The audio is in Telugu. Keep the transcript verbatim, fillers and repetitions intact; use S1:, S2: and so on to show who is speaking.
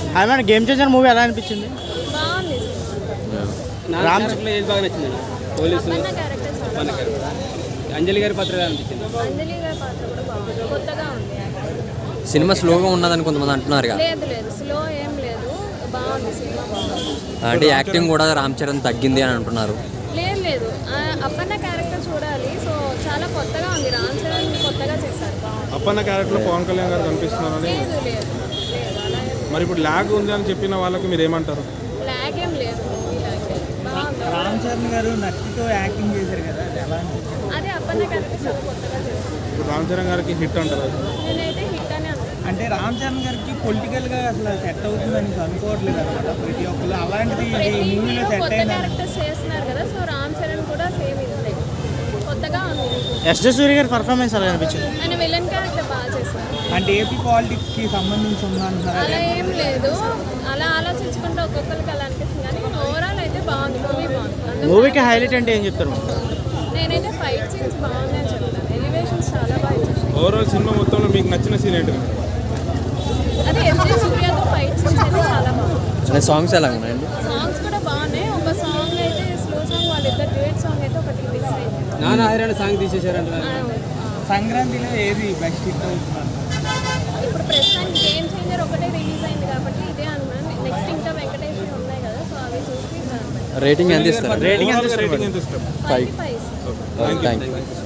S1: Hi madam, game changer movie ఎలా అనిపించింది?
S2: బాగుంది.
S3: రామ్ చరణ్లో ఏది బాగా నచ్చింది? పోలీసు
S2: అప్పన్న క్యారెక్టర్ చాలా
S3: అప్పన్న
S2: బాగుంది.
S3: క్యారెక్టర్. అంజలి గారి పాత్ర ఎలా అనిపించింది?
S2: అంజలి గారి పాత్ర కూడా బాగుంది, కొత్తగా ఉంది యాక్టింగ్.
S4: సినిమా స్లోగా ఉన్నదని కొంతమంది అంటున్నారు కదా.
S2: లేదు లేదు స్లో ఏం లేదు, బాగుంది సినిమా బాగుంది.
S4: అంటే యాక్టింగ్ కూడా రామ్ చరణ్ తగ్గింది అని అంటున్నారు.
S2: లేదు లేదు ఆ, అప్పన్న క్యారెక్టర్ చూడాలి. సో చాలా కొత్తగా ఉంది, రామ్ చరణ్ కొత్తగా చేశారు, బాగుంది.
S5: అప్పన్న క్యారెక్టర్ పవన్ కళ్యాణ్ గారు కనిపిస్తున్నారని.
S2: లేదు లేదు లేదు అలా ఏం
S5: మరి ఇప్పుడు ల్యాగ్ ఉంది అని చెప్పిన వాళ్ళకి మీరు ఏమంటారు?
S2: లాగ్ ఏం లేదు, మూవీ లాగ్ లేదు, బాగుంది.
S1: రామ్ చరణ్ గారు నత్తితో యాక్టింగ్ చేశారు కదా, అది ఎలా అనిపించింది?
S2: అదే అప్పన్న క్యారెక్టర్ చాలా కొత్తగా చేశారు.
S5: ఇప్పుడు రామ్ చరణ్ గారికి హిట్ అంటారు అది.
S2: నేనైతే హిట్ అని అనుకుంటున్నాను.
S1: అంటే రామ్ చరణ్ గారికి పొలిటికల్గా అసలు సెట్ అవుతుందని అనుకోవట్లేదు అనమాట ప్రతి ఒక్కరు. అలాంటిది ఈ
S2: ప్రతి
S1: మూవీలో
S2: హీరో
S1: సెట్
S2: కొత్త
S1: అయిందని.
S2: క్యారెక్టర్స్ చేస్తున్నారు కదా, సో రామ్ చరణ్ కూడా సేమ్ ఇంతే కొత్తగా ఉంది.
S1: ఎస్ జే సూర్య గారి పర్ఫార్మెన్స్ ఎలా అనిపించింది?
S2: ఆయన విలన్ క్యారెక్టర్ బాగా చేశారు.
S1: అంటే ఏపీ పాలిటిక్స్కి సంబంధించి ఉందంటున్నారు.
S2: అలా ఏం లేదు, అలా ఆలోచించుకుంటే ఒక్కొక్కరికి అలా అనిపిస్తుంది, కానీ ఓవరాల్ అయితే బాగుంది, మూవీ బాగుంది. అందరూ
S1: మూవీకి హైలైట్ అంటే ఏం చెప్తారు?
S2: నేనైతే ఫైట్ సీన్స్ బాగున్నాయని చెప్తాను, ఎలివేషన్స్ చాలా బాగా ఇచ్చేసాను.
S5: ఓవరాల్ సినిమా మొత్తంలో మీకు నచ్చిన సీన్ ఏంటి?
S2: అదే ఎస్జే సూర్యతో ఫైట్ సీన్స్ అయితే చాలా బాగుంది.
S4: సాంగ్స్ ఎలా ఉన్నాయండి?
S2: సాంగ్స్ కూడా బాగున్నాయి. ఒక సాంగ్ అయితే స్లో సాంగ్, వాళ్ళిద్దరు డ్యూయట్ సాంగ్ అయితే ఒకటి మిస్ అయింది.
S3: నాన్న హైరాణ సాంగ్ తీసేశారంట.
S2: ఆ,
S1: సంక్రాంతిలో ఏది బెస్ట్ హిట్ అవుతున్నారు?
S2: ఇప్పుడు ప్రస్తుతానికి గేమ్ చేంజర్ ఒకటే రిలీజ్ అయింది కాబట్టి ఇదే అనుకున్నాను. నెక్స్ట్ ఇంకా వెంకటేశ్వరి ఉన్నాయి కదా, సో అవి చూసి
S4: రేటింగ్ ఎంత ఇస్తారు?
S1: రేటింగ్ ఎంత
S5: రేటింగ్ ఎంత ఇస్తారు?
S2: Five five
S4: thank you.